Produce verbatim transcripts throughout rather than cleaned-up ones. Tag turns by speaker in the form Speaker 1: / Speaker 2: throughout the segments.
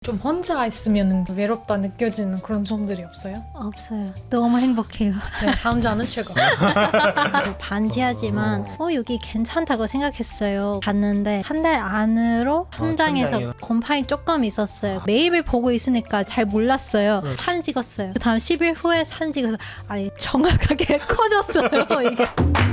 Speaker 1: 좀 혼자 있으면 외롭다 느껴지는 그런 점들이 없어요?
Speaker 2: 없어요. 너무 행복해요.
Speaker 1: 네, 혼자는 최고.
Speaker 2: 반지하지만 어 여기 괜찮다고 생각했어요. 갔는데 한 달 안으로 현장에서
Speaker 3: 현장이요?
Speaker 2: 곰팡이 조금 있었어요. 매일매일 보고 있으니까 잘 몰랐어요. 사진 찍었어요. 그 다음 십 일 후에 사진 찍어서 아니 정확하게 커졌어요. 이게.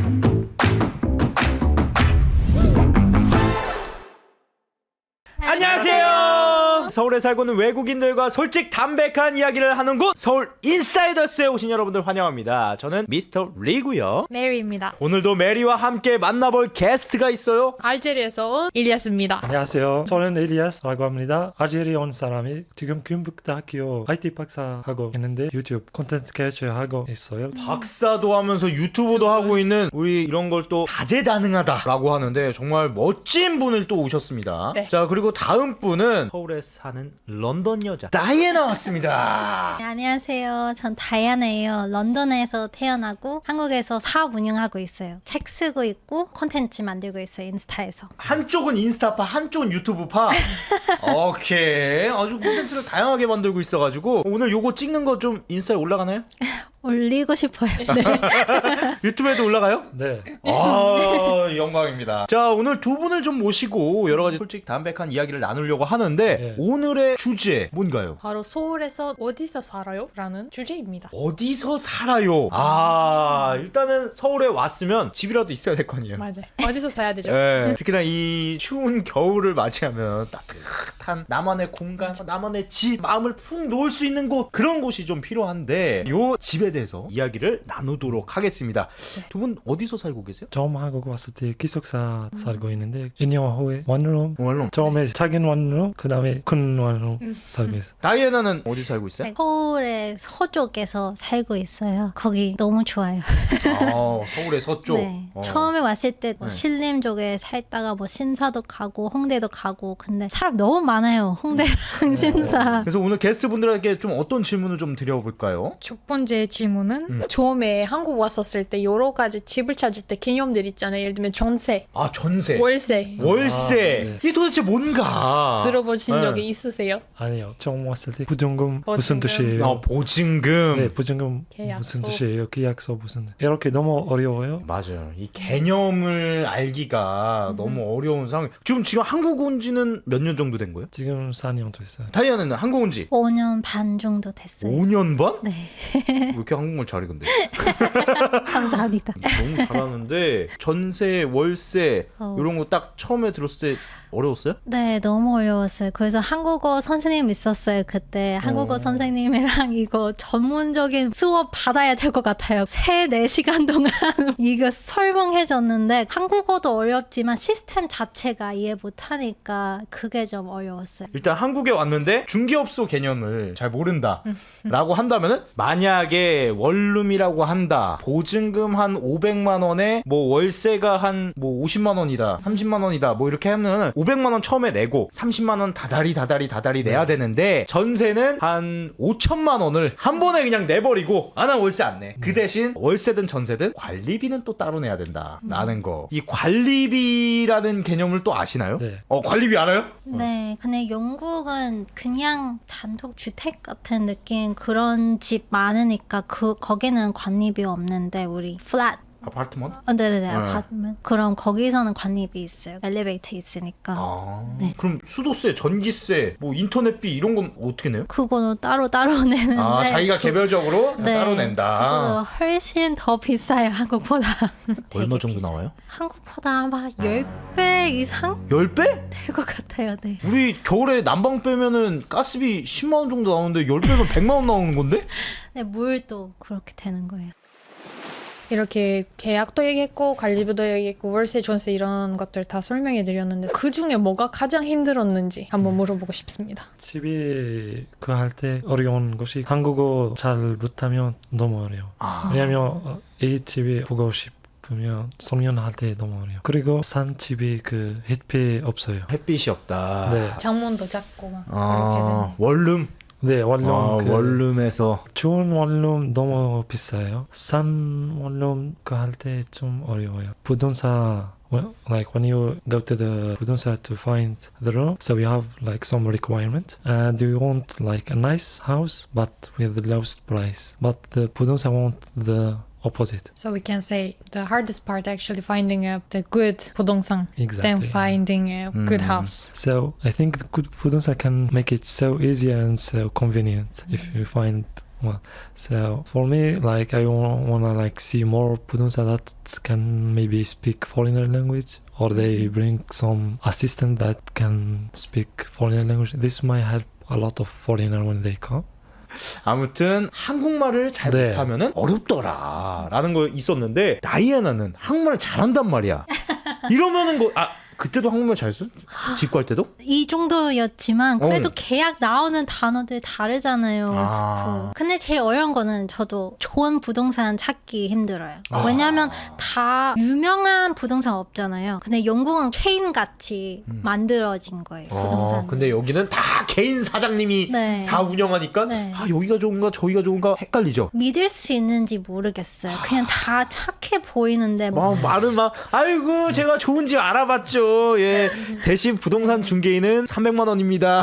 Speaker 3: 안녕하세요. 서울에 살고 있는 외국인들과 솔직 담백한 이야기를 하는 곳 서울 인사이더스에 오신 여러분들 환영합니다. 저는 미스터 리고요.
Speaker 1: 메리입니다.
Speaker 3: 오늘도 메리와 함께 만나볼 게스트가 있어요.
Speaker 1: 알제리에서 온 일리아스입니다.
Speaker 4: 안녕하세요. 저는 엘리아스라고 합니다. 알제리에 온 사람이 지금 금북대학교 아이티 박사하고 있는데 유튜브 콘텐츠 개발하고 있어요.
Speaker 3: 박사도 하면서 유튜브도 하고 있는 우리 이런 걸 또 다재다능하다라고 하는데 정말 멋진 분을 또 오셨습니다.
Speaker 1: 네.
Speaker 3: 자, 그리고 다음 분은 서울에 사는 런던 여자 다이애나 왔습니다.
Speaker 2: 네, 안녕하세요. 전 다이아나예요. 런던에서 태어나고 한국에서 사업 운영하고 있어요. 책 쓰고 있고 콘텐츠 만들고 있어요. 인스타에서.
Speaker 3: 한쪽은 인스타파, 한쪽은 유튜브파. 오케이. 아주 콘텐츠를 다양하게 만들고 있어가지고 오늘 요거 찍는 거 좀 인스타에 올라가나요?
Speaker 2: 올리고 싶어요. 네.
Speaker 3: 유튜브에도 올라가요?
Speaker 4: 네.
Speaker 3: 아, 영광입니다. 자, 오늘 두 분을 좀 모시고 여러 가지 솔직 담백한 이야기를 나누려고 하는데
Speaker 4: 네.
Speaker 3: 오늘의 주제 뭔가요?
Speaker 1: 바로 서울에서 어디서 살아요? 라는 주제입니다.
Speaker 3: 어디서 살아요? 아, 일단은 서울에 왔으면 집이라도 있어야 될 거 아니에요?
Speaker 1: 맞아요. 어디서 사야 되죠?
Speaker 3: 네, 특히나 이 추운 겨울을 맞이하면 따뜻한 나만의 공간, 나만의 집, 마음을 푹 놓을 수 있는 곳, 그런 곳이 좀 필요한데 요 집에 대해서 이야기를 나누도록 하겠습니다. 두 분 어디서 살고 계세요?
Speaker 4: 처음 한국 왔을 때 기숙사 살고 있는데 일 년 후에 원룸
Speaker 3: 원룸.
Speaker 4: 처음에 작은 원룸 그 다음에 큰 원룸 살고 있어요.
Speaker 3: 다이애나는 어디 살고 있어요?
Speaker 2: 서울의 서쪽에서 살고 있어요. 거기 너무 좋아요.
Speaker 3: 아, 서울의 서쪽.
Speaker 2: 네.
Speaker 3: 어.
Speaker 2: 처음에 왔을 때뭐
Speaker 3: 네.
Speaker 2: 신림 쪽에 살다가 뭐 신사도 가고 홍대도 가고 근데 사람 너무 많아요. 홍대랑 신사.
Speaker 3: 그래서 오늘 게스트분들에게 좀 어떤 질문을 좀 드려볼까요?
Speaker 1: 첫 번째 질문은
Speaker 3: 음.
Speaker 1: 처음에 한국 왔었을 때 여러 가지 집을 찾을 때 개념들 있잖아요. 예를 들면 전세,
Speaker 3: 아, 전세,
Speaker 1: 월세
Speaker 3: 월세.
Speaker 4: 아, 네.
Speaker 3: 이게 도대체 뭔가?
Speaker 1: 들어보신
Speaker 3: 네.
Speaker 1: 적이 있으세요?
Speaker 4: 아니요. 처음 왔을 때 부정금
Speaker 1: 보증금.
Speaker 4: 무슨 뜻이에요?
Speaker 3: 어, 보증금.
Speaker 4: 네, 부정금
Speaker 1: 계약서.
Speaker 4: 무슨 뜻이에요? 계약서 무슨 뜻? 이렇게 너무 어려워요.
Speaker 3: 맞아요. 이 개념을 알기가 너무 어려운 상황. 지금 지금 한국 온 지는 몇 년 정도 된 거예요?
Speaker 4: 지금 사 년 됐어요.
Speaker 3: 다이아는 한국 온 지
Speaker 2: 오 년 반 정도 됐어요.
Speaker 3: 오 년 반?
Speaker 2: 네.
Speaker 3: 왜 이렇게 한국말 잘해 근데?
Speaker 2: 감사합니다.
Speaker 3: 너무 잘하는데 전세, 월세
Speaker 2: 어.
Speaker 3: 이런 거 딱 처음에 들었을 때 어려웠어요?
Speaker 2: 네, 너무 어려웠어요. 그래서 한국어 선생님 있었어요. 그때 한국어
Speaker 3: 어.
Speaker 2: 선생님이랑 이거 전문적인 수업 받아야 될 것 같아요. 세, 네 시간 동안 이거 설명해줬는데 한국어도 어렵지만 시스템 자체가 이해 못하니까 그게 좀 어려웠어요.
Speaker 3: 일단 한국에 왔는데 중개업소 개념을 잘 모른다 라고 한다면은 만약에 원룸이라고 한다, 보증금 한 오백만 원에 뭐 월세가 한 뭐 오십만 원이다, 삼십만 원이다 뭐 이렇게 하면 오백만 원 처음에 내고 삼십만 원 다달이 다달이 다달이 내야 되는데 전세는 한 오천만 원을 한 번에 그냥 내버리고 아, 나 월세 안 내. 그 대신 월세든 전세든 관리비는 또 따로 내야 된다 라는 거. 이 관리비라는 개념을 또 아시나요?
Speaker 4: 네.
Speaker 3: 어, 관리비 알아요?
Speaker 2: 네, 근데 영국은 그냥 단독 주택 같은 느낌 그런 집 많으니까 그 거기는 관리비 없는데 우리 플랫
Speaker 3: 아파트먼트?
Speaker 2: 어, 네네네 아파트ment 그럼 거기서는 관리비 있어요. 엘리베이터 있으니까
Speaker 3: 아,
Speaker 2: 네.
Speaker 3: 그럼 수도세, 전기세, 뭐 인터넷비 이런 건 어떻게 내요?
Speaker 2: 그거는 따로 따로 내는데
Speaker 3: 아, 자기가 개별적으로 다
Speaker 2: 네,
Speaker 3: 따로
Speaker 2: 그거는
Speaker 3: 낸다.
Speaker 2: 훨씬 더 비싸요. 한국보다.
Speaker 3: 얼마
Speaker 2: 되게
Speaker 3: 정도
Speaker 2: 비싸요.
Speaker 3: 나와요?
Speaker 2: 한국보다 아마 십 배 이상
Speaker 3: 십 배?
Speaker 2: 될 것 같아요. 네.
Speaker 3: 우리 겨울에 난방 빼면은 가스비 십만 원 정도 나오는데 십 배면 백만 원 나오는 건데?
Speaker 2: 네, 물도 그렇게 되는 거예요.
Speaker 1: 이렇게 계약도 얘기했고 관리비도 얘기했고 월세, 전세 이런 것들 다 설명해 드렸는데 그 중에 뭐가 가장 힘들었는지 한번 물어보고 싶습니다.
Speaker 4: 집이 그 할 때 어려운 것이 한국어 잘 못하면 너무 어려워.
Speaker 3: 아,
Speaker 4: 왜냐면 어, 이 집이 보고 싶으면 성년할 때 너무 어려워. 그리고 산 집이 그 햇빛 없어요.
Speaker 3: 햇빛이 없다.
Speaker 4: 네,
Speaker 1: 창문도 작고 막
Speaker 3: 아, 원룸?
Speaker 4: 네 원룸
Speaker 3: 아,
Speaker 4: 그
Speaker 3: 원룸에서
Speaker 4: 좋은 원룸 너무 비싸요. 싼 원룸 그 할 때 좀 어려워요. 부동산 Well, like when you go to the 부동산 to find the room, so you have like some requirement. Uh, do you want like a nice house but with the lowest price? But the 부동산 want the opposite.
Speaker 1: So we can say the hardest part actually finding a the good 부동산 than
Speaker 4: Exactly.
Speaker 1: finding a good house.
Speaker 4: So I think the good 부동산 can make it so easy and so convenient if you find one. So for me, like I want to like see more 부동산 that can maybe speak foreigner language, or they bring some assistant that can speak foreigner language. This might help a lot of foreigner when they come.
Speaker 3: 아무튼 한국말을 잘
Speaker 4: 네.
Speaker 3: 못하면은 어렵더라 라는 거 있었는데 다이애나는 한국말을 잘한단 말이야. 이러면은 거, 아 그때도 한국말 잘 써? 직구할 때도?
Speaker 2: 이 정도였지만 그래도
Speaker 3: 어.
Speaker 2: 계약 나오는 단어들이 다르잖아요.
Speaker 3: 아.
Speaker 2: 스프. 근데 제일 어려운 거는 저도 좋은 부동산 찾기 힘들어요.
Speaker 3: 아.
Speaker 2: 왜냐하면 다 유명한 부동산 없잖아요. 근데 영국은 체인 같이 만들어진 거예요. 부동산.
Speaker 3: 어, 근데 여기는 다 개인 사장님이
Speaker 2: 네.
Speaker 3: 다 운영하니까
Speaker 2: 네.
Speaker 3: 아 여기가 좋은가 저기가 좋은가 헷갈리죠.
Speaker 2: 믿을 수 있는지 모르겠어요. 그냥 다 착해 보이는데 뭐
Speaker 3: 막 말은 막 아이고 제가 좋은 집 알아봤죠. 예 대신 부동산 중개인은 삼백만 원입니다.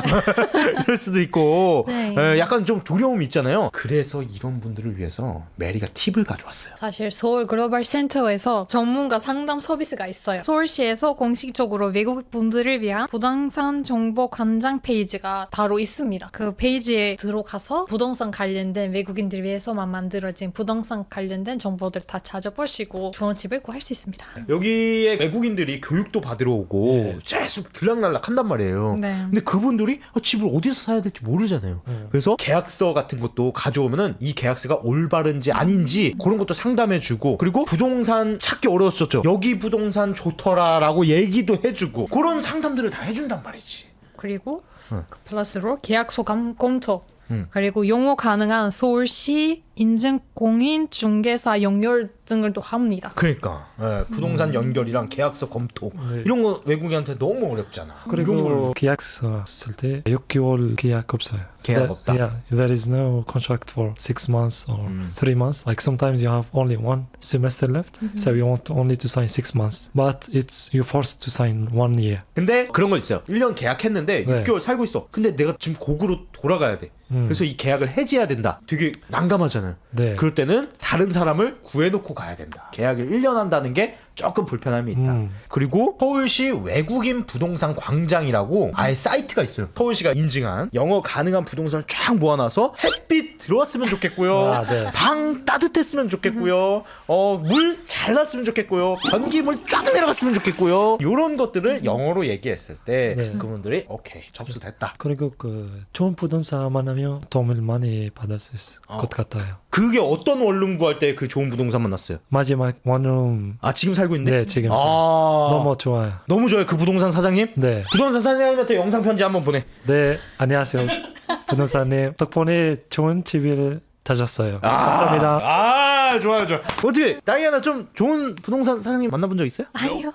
Speaker 3: 이럴 수도 있고
Speaker 2: 네.
Speaker 3: 예, 약간 좀 두려움이 있잖아요. 그래서 이런 분들을 위해서 메리가 팁을 가져왔어요.
Speaker 1: 사실 서울 글로벌 센터에서 전문가 상담 서비스가 있어요. 서울시에서 공식적으로 외국 분들을 위한 부동산 정보 관장 페이지가 따로 있습니다. 그 페이지에 들어가서 부동산 관련된 외국인들 위해서만 만들어진 부동산 관련된 정보들 다 찾아보시고 좋은 집을 구할 수 있습니다.
Speaker 3: 여기에 외국인들이 교육도 받으러 오고
Speaker 4: 네.
Speaker 3: 계속 들락날락 한단 말이에요.
Speaker 1: 네.
Speaker 3: 근데 그분들이 어, 집을 어디서 사야 될지 모르잖아요.
Speaker 4: 음.
Speaker 3: 그래서 계약서 같은 것도 가져오면은 이 계약서가 올바른지 아닌지 그런 것도 상담해주고 그리고 부동산 찾기 어려웠었죠. 여기 부동산 좋더라라고 얘기도 해주고 그런 상담들을 다 해준단 말이지.
Speaker 1: 그리고
Speaker 3: 응.
Speaker 1: 그 플러스로 계약서 감, 검토
Speaker 3: 응.
Speaker 1: 그리고 용어 가능한 서울시 인증 공인 중개사 연결 등을 또 합니다.
Speaker 3: 그러니까 예, 부동산 연결이랑 계약서 검토
Speaker 4: 네.
Speaker 3: 이런 거 외국인한테 너무 어렵잖아. 이런 걸
Speaker 4: 그리고 계약서 쓸 때 육 개월 계약 없어요.
Speaker 3: 계약
Speaker 4: That-
Speaker 3: 없다.
Speaker 4: Yeah, there is no contract for six months or
Speaker 3: 음.
Speaker 4: three months. Like sometimes you have only one semester left, so you want only to sign six months, but it's you forced to sign one year.
Speaker 3: 근데 그런 거 있어요. 일 년 계약했는데
Speaker 4: 네.
Speaker 3: 육 개월 살고 있어. 근데 내가 지금 고국으로 돌아가야 돼.
Speaker 4: 음.
Speaker 3: 그래서 이 계약을 해지해야 된다. 되게 난감하잖아요.
Speaker 4: 네.
Speaker 3: 그럴 때는 다른 사람을 구해놓고 가야 된다. 계약을 일 년 한다는 게 조금 불편함이 있다.
Speaker 4: 음.
Speaker 3: 그리고 서울시 외국인 부동산 광장이라고 아예 사이트가 있어요. 서울시가 인증한 영어 가능한 부동산을 쫙 모아놔서 햇빛 들어왔으면 좋겠고요.
Speaker 4: 아, 네.
Speaker 3: 방 따뜻했으면 좋겠고요. 어, 물 잘 났으면 좋겠고요. 변기물 쫙 내려갔으면 좋겠고요. 이런 것들을 영어로 얘기했을 때
Speaker 4: 네.
Speaker 3: 그분들이 오케이 접수됐다.
Speaker 4: 그리고 그 좋은 부동산만 하면 도움을 많이 받을 수 있을
Speaker 3: 어.
Speaker 4: 것 같아요.
Speaker 3: 그게 어떤 원룸 구할 때 그 좋은 부동산 만났어요?
Speaker 4: 마지막 원룸
Speaker 3: 아 지금 살고 있는데?
Speaker 4: 네 지금
Speaker 3: 아
Speaker 4: 너무 좋아요.
Speaker 3: 너무 좋아요 그 부동산 사장님.
Speaker 4: 네,
Speaker 3: 부동산 사장님한테 영상 편지 한번 보내.
Speaker 4: 네 안녕하세요 부동산님 덕분에 좋은 집을 찾았어요. 감사합니다.
Speaker 3: 아 좋아요 좋아. 어떻게 다이아나 좀 좋은 부동산 사장님 만나본 적 있어요?
Speaker 2: 아니요.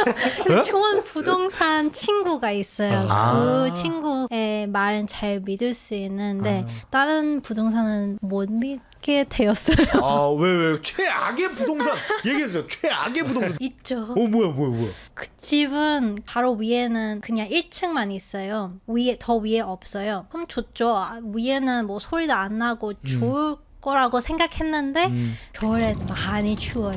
Speaker 2: 근데 좋은 부동산 친구가 있어요.
Speaker 3: 아.
Speaker 2: 그 친구의 말은 잘 믿을 수 있는데 다른 부동산은 못 믿게 되었어요.
Speaker 3: 아왜 왜 최악의 부동산 얘기해주세요. 최악의 부동산.
Speaker 2: 있죠.
Speaker 3: 어 뭐야 뭐야 뭐야.
Speaker 2: 그 집은 바로 위에는 그냥 일 층만 있어요. 위에 더 위에 없어요. 그럼 좋죠. 아, 위에는 뭐 소리도 안 나고 좋을 거라고 생각했는데
Speaker 3: 음.
Speaker 2: 겨울에 많이 추워요.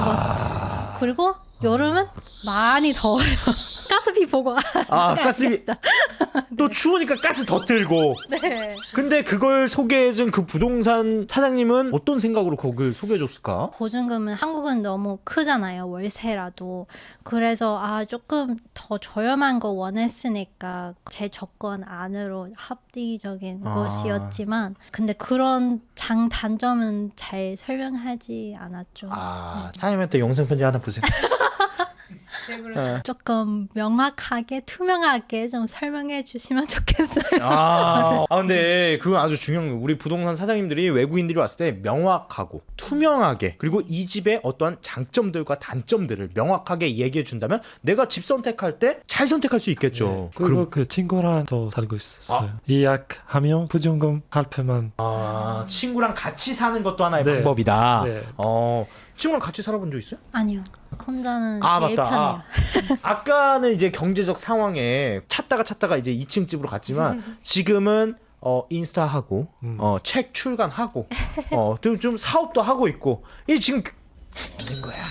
Speaker 3: 아.
Speaker 2: 그리고 여름은 많이 더워요. 가스비 보고
Speaker 3: 아 가스비 또 추우니까 가스 더 틀고.
Speaker 2: 네.
Speaker 3: 근데 그걸 소개해준 그 부동산 사장님은 어떤 생각으로 그걸 소개해줬을까?
Speaker 2: 보증금은 한국은 너무 크잖아요. 월세라도. 그래서 아 조금 더 저렴한 거 원했으니까 제 조건 안으로 합리적인
Speaker 3: 아.
Speaker 2: 것이었지만 근데 그런 장단점은 잘 설명하지 않았죠.
Speaker 3: 아 사장님한테 영상 편지 하나 보세요.
Speaker 2: 조금 명확하게 투명하게 좀 설명해 주시면 좋겠어요.
Speaker 3: 아, 아 근데 그건 아주 중요한 거예요. 우리 부동산 사장님들이 외국인들이 왔을 때 명확하고 투명하게 그리고 이 집의 어떠한 장점들과 단점들을 명확하게 얘기해 준다면 내가 집 선택할 때 잘 선택할 수 있겠죠.
Speaker 4: 네. 그리고 그 친구랑 또 살고 있었어요. 예약하면 부정금 할부만.
Speaker 3: 아 친구랑 같이 사는 것도 하나의
Speaker 4: 네.
Speaker 3: 방법이다.
Speaker 4: 네.
Speaker 3: 어 친구랑 같이 살아본 적 있어요?
Speaker 2: 아니요. 혼자는
Speaker 3: 아
Speaker 2: 제일
Speaker 3: 맞다.
Speaker 2: 편해요.
Speaker 3: 아, 아까는 이제 경제적 상황에 찾다가 찾다가 이제 이 층 집으로 갔지만 지금은 어 인스타 하고
Speaker 4: 음.
Speaker 3: 어책 출간하고 어좀 좀 사업도 하고 있고 이 지금 그- 있는 거야.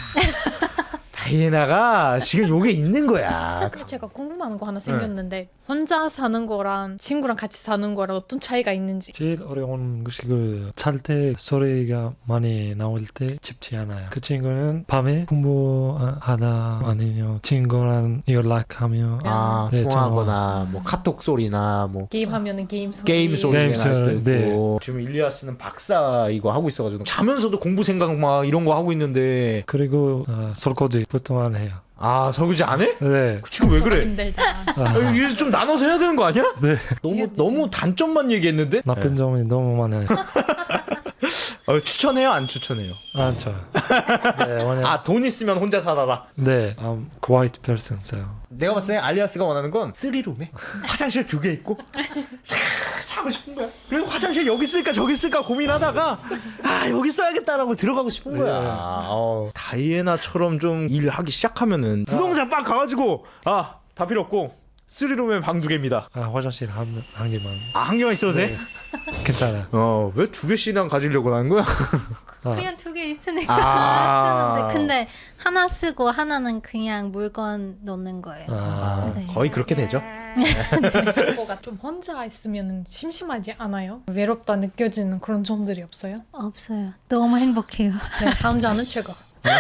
Speaker 3: 다이애나가 지금 요게 있는 거야.
Speaker 1: 제가 궁금한 거 하나 생겼는데 혼자 사는 거랑 친구랑 같이 사는 거랑 어떤 차이가 있는지.
Speaker 4: 제일 어려운 것이 그 잘 때 소리가 많이 나올 때 쉽지 않아요. 그 친구는 밤에 공부하다 아니면 친구랑 연락하며
Speaker 3: 아
Speaker 4: 네,
Speaker 3: 통화하거나 뭐 카톡 소리나 뭐
Speaker 1: 게임하면은 게임 소리.
Speaker 3: 게임 소리가
Speaker 4: 게임
Speaker 3: 날 수도 있고
Speaker 4: 소리,
Speaker 3: 지금 일리아스는 박사 이거 하고 있어가지고 자면서도 공부 생각 막 이런 거 하고 있는데
Speaker 4: 그리고 어, 설거지 보통만 해요.
Speaker 3: 아 설거지 안 해?
Speaker 4: 네.
Speaker 3: 그 친구 왜 그래?
Speaker 1: 힘들다.
Speaker 3: 아, 이거 좀 나눠서 해야 되는 거 아니야?
Speaker 4: 네.
Speaker 3: 너무 너무 단점만 얘기했는데
Speaker 4: 나쁜 점이 너무 많아요.
Speaker 3: 어, 추천해요 안 추천해요?
Speaker 4: 안 좋아요. 네, 왜냐면
Speaker 3: 아 돈 있으면 혼자 살아라.
Speaker 4: 네, I'm quiet person, so.
Speaker 3: 내가 봤을 때 알리아스가 원하는 건 쓰리룸에 화장실 두 개 있고 자, 자고 싶은 거야. 그래서 화장실 여기 쓸까 저기 쓸까 고민하다가 아 여기 써야겠다라고 들어가고 싶은 거야.
Speaker 4: 네.
Speaker 3: 어, 다이애나처럼 좀 일하기 시작하면은 부동산 빡 가가지고 아 다 필요 없고 쓰리룸에 방 두 개입니다.
Speaker 4: 아, 화장실 한, 한 개만.
Speaker 3: 아 한 개만 있어도 돼?
Speaker 4: 괜찮아요.
Speaker 3: 어왜 두 개씩이나 가지려고 하는 거야?
Speaker 4: 아,
Speaker 2: 그냥 두 개 있으니까
Speaker 3: 아.
Speaker 2: 쓰는데 근데 하나 쓰고 하나는 그냥 물건 놓는 거예요.
Speaker 4: 아,
Speaker 2: 네.
Speaker 3: 거의 그렇게 되죠.
Speaker 1: 친구가 좀 혼자 있으면 심심하지 않아요? 외롭다 느껴지는 그런 점들이 없어요?
Speaker 2: 없어요. 너무 행복해요.
Speaker 1: 네, 남자는 최고.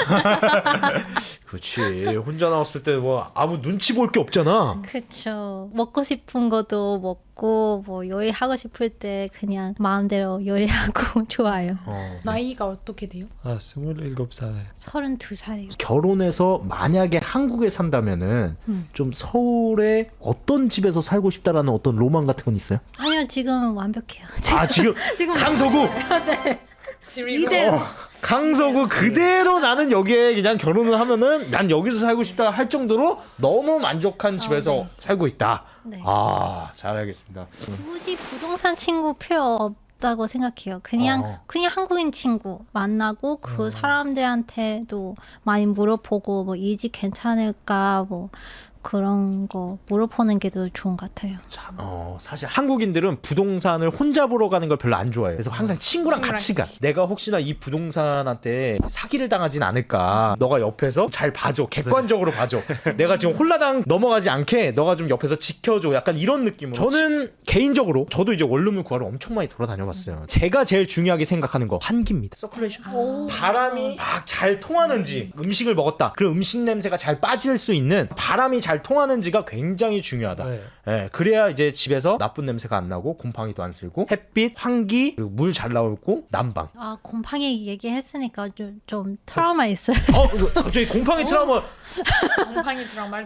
Speaker 3: 그렇지. 혼자 나왔을 때 뭐 아무 눈치 볼 게 없잖아.
Speaker 2: 그쵸. 먹고 싶은 것도 먹고 뭐 요리하고 싶을 때 그냥 마음대로 요리하고 좋아요.
Speaker 3: 어.
Speaker 1: 나이가 어떻게 돼요?
Speaker 4: 아, 스물일곱 살에.
Speaker 2: 서른두 살이요.
Speaker 3: 결혼해서 만약에 한국에 산다면은
Speaker 2: 음.
Speaker 3: 좀 서울에 어떤 집에서 살고 싶다라는 어떤 로망 같은 건 있어요?
Speaker 2: 아니요, 지금 완벽해요.
Speaker 3: 아 지금
Speaker 2: 지금
Speaker 3: 강서구
Speaker 1: 이대로.
Speaker 3: 어, 강서구 그대로 나는 여기에 그냥 결혼을 하면은 난 여기서 살고 싶다 할 정도로 너무 만족한 집에서
Speaker 2: 네.
Speaker 3: 살고 있다.
Speaker 2: 네.
Speaker 3: 아 잘 알겠습니다.
Speaker 2: 굳이 부동산 친구 필요 없다고 생각해요. 그냥
Speaker 3: 어.
Speaker 2: 그냥 한국인 친구 만나고 그 사람들한테도 많이 물어보고 뭐 이 집 괜찮을까 뭐 그런 거 물어보는 게 더 좋은 것 같아요.
Speaker 3: 자, 어, 사실 한국인들은 부동산을 혼자 보러 가는 걸 별로 안 좋아해요. 그래서 항상 친구랑
Speaker 1: 친구랑
Speaker 3: 같이 가.
Speaker 1: 같이.
Speaker 3: 내가 혹시나 이 부동산한테 사기를 당하진 않을까. 너가 옆에서 잘 봐줘. 객관적으로 봐줘. 내가 지금 홀라당 넘어가지 않게 너가 좀 옆에서 지켜줘. 약간 이런 느낌으로. 저는 개인적으로 저도 이제 원룸을 구하러 엄청 많이 돌아다녀봤어요. 제가 제일 중요하게 생각하는 거 환기입니다. 서큘레이션.
Speaker 1: 오.
Speaker 3: 바람이 막 잘 통하는지 음식을 먹었다. 그럼 음식 냄새가 잘 빠질 수 있는 바람이 잘 통하는지가 굉장히 중요하다.
Speaker 4: 네.
Speaker 3: 예, 그래야 이제 집에서 나쁜 냄새가 안 나고 곰팡이도 안 쓸고 햇빛, 환기, 그리고 물 잘 나오고 난방.
Speaker 2: 아 곰팡이 얘기했으니까 좀, 좀 트라우마 있어요.
Speaker 3: 어, 이거 갑자기 곰팡이 트라우마.
Speaker 1: 곰팡이 드라마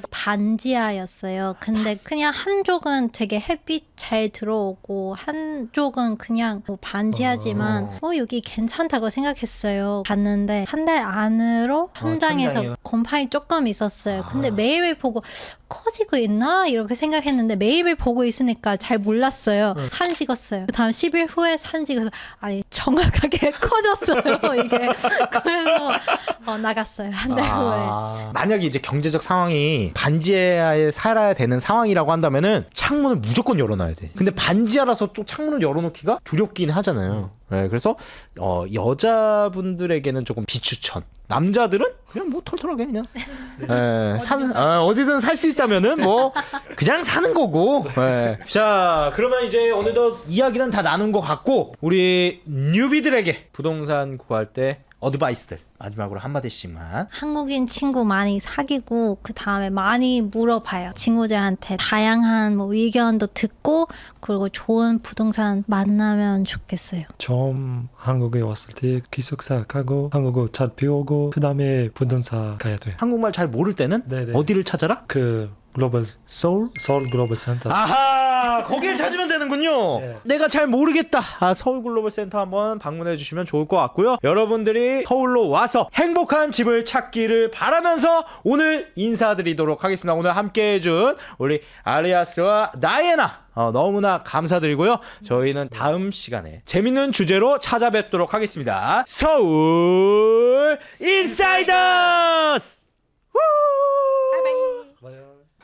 Speaker 2: 반지하였어요. 근데 그냥 한쪽은 되게 햇빛 잘 들어오고 한쪽은 그냥 뭐 반지하지만
Speaker 3: 어.
Speaker 2: 어 여기 괜찮다고 생각했어요. 갔는데 한 달 안으로 현장에서
Speaker 3: 천장이요?
Speaker 2: 곰팡이 조금 있었어요. 근데
Speaker 3: 아.
Speaker 2: 매일매일 보고 커지고 있나 이렇게 생각했는데 매일매일 보고 있으니까 잘 몰랐어요. 사진 찍었어요. 그다음 십 일 후에 사진 찍어서 아니 정확하게 커졌어요 이게. 그래서 어, 나갔어요 한 달 후에.
Speaker 3: 아, 만약에 이제 경제적 상황이 반지하에 살아야 되는 상황이라고 한다면은 창문을 무조건 열어놔야 돼. 근데 반지하라서 또 창문을 열어놓기가 두렵긴 하잖아요. 네, 그래서 어, 여자분들에게는 조금 비추천. 남자들은 그냥 뭐 털털하게 그냥 예, 산, 어, 어디든 살 수 있다면은 뭐 그냥 사는 거고. 예. 자, 그러면 이제 어느덧 이야기는 다 나눈 것 같고 우리 뉴비들에게 부동산 구할 때 어드바이스들 마지막으로 한마디씩만.
Speaker 2: 한국인 친구 많이 사귀고 그 다음에 많이 물어봐요. 친구들한테 다양한 뭐 의견도 듣고 그리고 좋은 부동산 만나면 좋겠어요.
Speaker 4: 처음 한국에 왔을 때 기숙사 가고 한국어 잘 배우고 그 다음에 부동산 가야 돼요.
Speaker 3: 한국말 잘 모를 때는
Speaker 4: 네네.
Speaker 3: 어디를 찾아라?
Speaker 4: 그 글로벌
Speaker 3: 서울?
Speaker 4: 서울 글로벌 센터.
Speaker 3: 아하, 거길 찾으면 되는군요.
Speaker 4: 네.
Speaker 3: 내가 잘 모르겠다. 아, 서울 글로벌 센터 한번 방문해 주시면 좋을 것 같고요. 여러분들이 서울로 와 와서 행복한 집을 찾기를 바라면서 오늘 인사드리도록 하겠습니다. 오늘 함께해준 우리 아리아스와 다이애나 어, 너무나 감사드리고요. 저희는 다음 시간에 재밌는 주제로 찾아뵙도록 하겠습니다. 서울 인사이더스!
Speaker 1: 바이바이.